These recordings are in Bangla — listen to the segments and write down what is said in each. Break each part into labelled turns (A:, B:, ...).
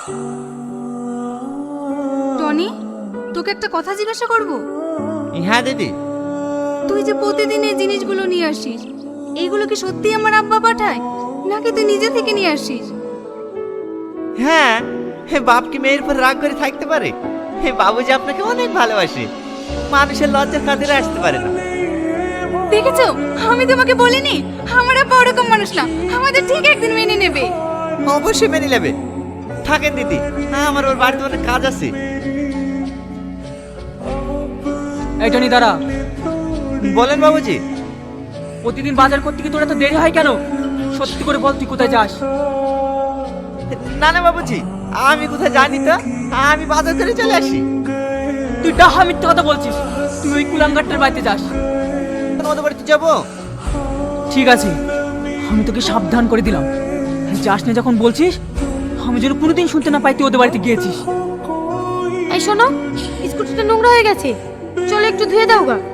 A: টনি, তোকে একটা কথা জিজ্ঞাসা করব।
B: হ্যাঁ দিদি।
A: তুই যে প্রতিদিন এই জিনিসগুলো নিয়ে আসিস, এইগুলো কি সত্যি আমার আব্বা পাঠায় নাকি তুই নিজে থেকে নিয়ে আসিস?
B: হ্যাঁ, বাপ কি মেয়ের উপর রাগ করে থাকতে পারে? বাবুজি আপনাকে অনেক ভালোবাসে, মানুষের লজ্জার কাজে আসতে পারে না।
A: দেখেছো, আমি তোমাকে বলিনি আমার আব্বা ওরকম মানুষ না, আমাদের ঠিক একদিন মেনে নেবে।
B: অবশ্যই মেনে নেবে। থাকেন দিদি, আমার ওর বাড়িতে অনেক কাজ আছে।
C: এই টনি দাঁড়া।
B: বলেন বাবুজি।
C: প্রতিদিন বাজার করতে গিয়ে তোর এত দেরি হয় কেন? সত্যি করে বল, তুই কোথায় যাস?
B: না না বাবুজি, আমি কোথায় জানি তো, আমি বাজার করে চলে আসি।
C: তুই ডাহা মিথ্যা কথা বলছিস। তুই ওই কুলাঙ্গারটার বাড়িতে যাস।
B: তোমাদের বাড়িতে যাবো?
C: ঠিক আছে, আমি তোকে সাবধান করে দিলাম। যাস না যখন বলছিস, আমি যেন কোনোদিন শুনতে না পাই তুই ওদের বাড়িতে গিয়েছিস।
A: এই শোনো, স্কুটিটা নোংরা হয়ে গেছে, চলো একটু ধুয়ে দাও গা।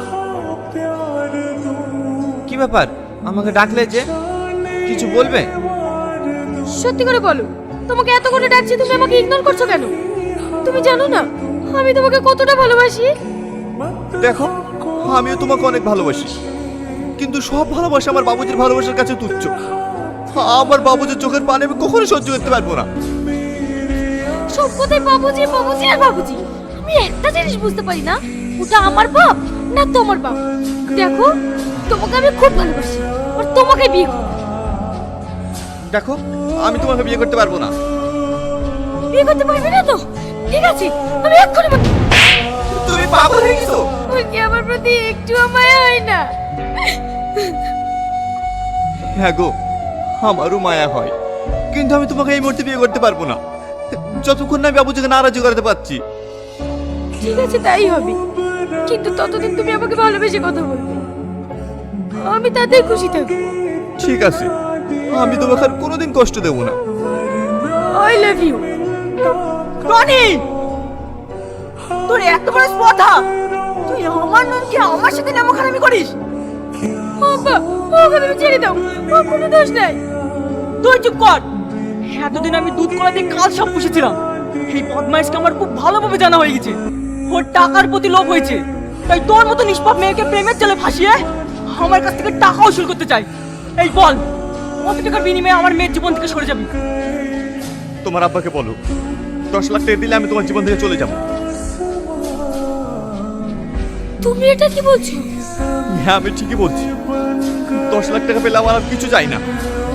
B: কি ব্যাপার, আমাকে ডাকলে যে? কিছু বলবে?
A: সত্যি করে বলো, তোমাকে এত করে ডাকছি, তুমি আমাকে ইগনোর করছো কেন? তুমি জানো না আমি তোমাকে কতটা ভালোবাসি?
D: দেখো, আমিও তোমাকে অনেক ভালোবাসি, কিন্তু সব ভালোবাসা আমার বাবুজির ভালোবাসার কাছে তুচ্ছ। আমার বাবুজির চোখের পানি আমি কখনো সহ্য করতে পারবো না।
A: সব কথাই বাবুজি বাবুজি আর বাবুজি। আমি একটা জিনিস বুঝতে পারি না, ওটা আমার বাপ না তোমার বাপ। দেখো, তোমাকে আমি খুব ভালোবাসি আর তোমাকে বিয়ে করব।
D: দেখো, আমি তোমাকে বিয়ে করতে পারবো না।
A: বিয়ে করতে পারবে না তো? ঠিক আছে, আমি এক্ষুনি
D: তুমি পাগল হয়ে গেছো?
A: ওই কি আমার প্রতি একটু মায়া হয় না?
D: হ্যাঁ গো, আমারও মায়া হয়, কিন্তু আমি তোমাকে এই মুহূর্তে বিয়ে করতে পারবো না, যতক্ষণ না আমি বাবুজিকে নারাজি করাতে পারছি।
A: ঠিক আছে, তাই হবে, কিন্তু ততদিন তুমি আমাকে ভালোবেসে কথা বলবে, আমি তাতেই খুশি থাকবো।
D: ঠিক আছে, আমি তোমাকে আর কোনোদিন কষ্ট দেবো না।
A: I love you.
C: টনি, তোর এত বড় স্পর্ধা! তুই আমার নামকে আমার সাথে নামখানামি করিস?
A: আব্বা, ওকে তুমি ছেড়ে দাও, ও কোনো দোষ নাই।
C: তুই চুপ কর। এতদিন আমি দুধ কলা দিয়ে কাল সব পুষেছিলাম। এই বদমাইশকে আমার খুব ভালোভাবে জানা হয়ে গেছে। ওর টাকার প্রতি লোভ হয়েছে, তাই তোর মতো নিষ্পাপ মেয়েকে প্রেমের জালে ফাঁসিয়ে আমার কাছ থেকে টাকা উসুল করতে চাই। এই বল, কত টাকার বিনিময়ে আমার মেয়ের জীবন থেকে সরে যাবি?
D: তোমার আব্বাকে বলো, 10 লাখ টাকা দিলে আমি তোমার জীবন থেকে চলে যাবো।
A: তুমি এটা কি বলছো?
D: হ্যাঁ, আমি ঠিকই বলছি। 10 লাখ টাকা পেলে আমার আর কিছু চাই না।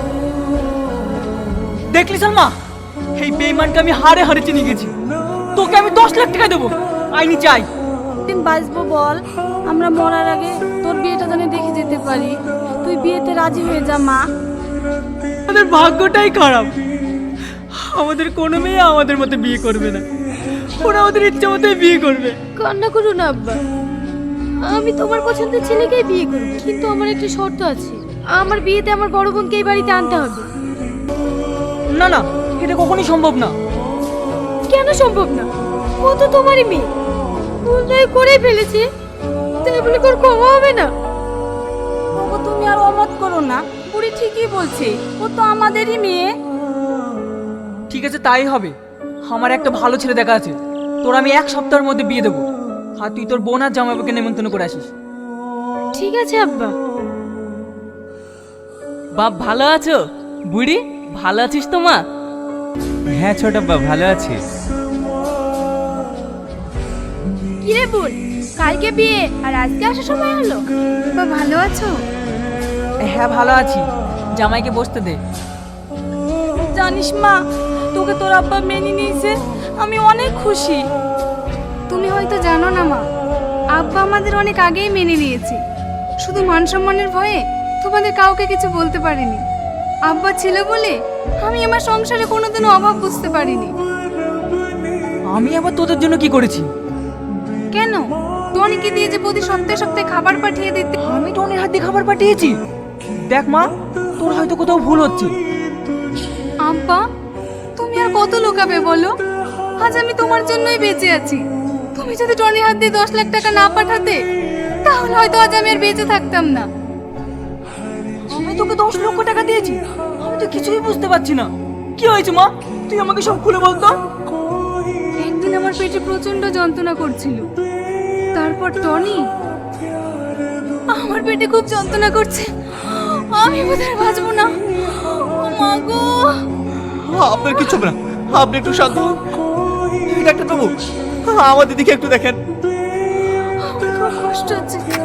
C: দেখলি সালমা, এই বেঈমানকে আমি হারে হারে চিনে গেছি। তোকে আমি 10 লাখ টাকা দেবো, আইনি চাই।
A: দিন বাঁচবো বল, আমরা মরার আগে তোর বিয়েটা যেন দেখে যেতে পারি। তুই বিয়েতে রাজি হয়ে যা মা।
C: আমাদের ভাগ্যটাই খারাপ, আমাদের কোনো মেয়ে আমাদের মতো বিয়ে করবে না। ওরা ওদের ইচ্ছা মতোই বিয়ে করবে।
A: কান্না করো না আব্বা, আমি তোমার পছন্দের ছেলেকেই বিয়ে করব, কিন্তু আমার একটা শর্ত আছে, আমার বিয়েতে আমার বড় বোনকে এই বাড়িতে আনতে হবে।
C: না না, এটা কখনোই সম্ভব না।
A: কেন সম্ভব না? ও তো তোমারই মেয়ে, ভুল তাই করেই ফেলেছে, তাই বলে তোর ক্ষমা হবে না? বাবা, তুমি আর অমত করো না, বুড়ি ঠিকই বলছে, ও তো আমাদেরই মেয়ে।
C: ঠিক আছে, তাই হবে। আমার একটা ভালো ছেলে দেখা আছে, তোর আমি 1 সপ্তাহের মধ্যে বিয়ে দেবো। আর তুই তোর বোন আর জামাইবাবুকে নেমন্তন্ন করে আসিস।
A: ঠিক আছে আব্বা।
E: বাপ ভালো আছো? বুড়ি ভালো আছিস তো মা?
B: হ্যাঁ ছোট বাবা, ভালো আছি।
A: কি রে বোন, কালকে বিয়ে আর আজকে আসার সময় হলো? বাবা ভালো আছো?
C: হ্যাঁ ভালো আছি, জামাইকে বসতে দে।
A: জানিস মা, তোকে তোর আব্বা মেনে নিয়েছে, আমি অনেক খুশি। তুমি হয়তো জানো না মা, আব্বা আমাদের অনেক আগেই মেনে নিয়েছে, শুধু মান সম্মানের ভয়ে তোমাদের কাউকে কিছু বলতে পারিনি। আব্বা ছিল বলে আমি আমার সংসারে কোনোদিনও অভাব বুঝতে পারিনি।
C: আমি আবার তোদের জন্য কি করেছি?
A: কেন, টনিকে দিয়ে যে প্রতি সপ্তাহে সপ্তাহে খাবার পাঠিয়ে দিতে।
C: আমি টনির হাত দিয়ে খাবার পাঠিয়েছি? দেখ মা, তোর হয়তো কোথাও ভুল হচ্ছে।
A: আব্বা, তুমি আর কত লোকাবে বলো, আজ আমি তোমার জন্যই বেঁচে আছি। তুমি যদি টনির হাত দিয়ে 10 লাখ টাকা না পাঠাতে, তাহলে হয়তো আজ আমি আর বেঁচে থাকতাম না।
C: আমি তোকে 10 লক্ষ টাকা দিয়েছি, আমি তো কিছুই বুঝতে পারছি না। কি হয়েছে মা, তুই আমাকে সব খুলে বলতো।
A: একদিন আমার পেটে প্রচন্ড যন্ত্রণা করছিল, তারপর টনি আমার পেটে খুব যন্ত্রণা করছে, আমি বোধহয় বাঁচবো না। ও মা গো!
D: আপনার কিছু হবে না, আপনি একটু শান্ত হন। ডাক্তার বাবু, আমাদের দিকে একটু দেখেন।
A: আমার খুব কষ্ট হচ্ছে।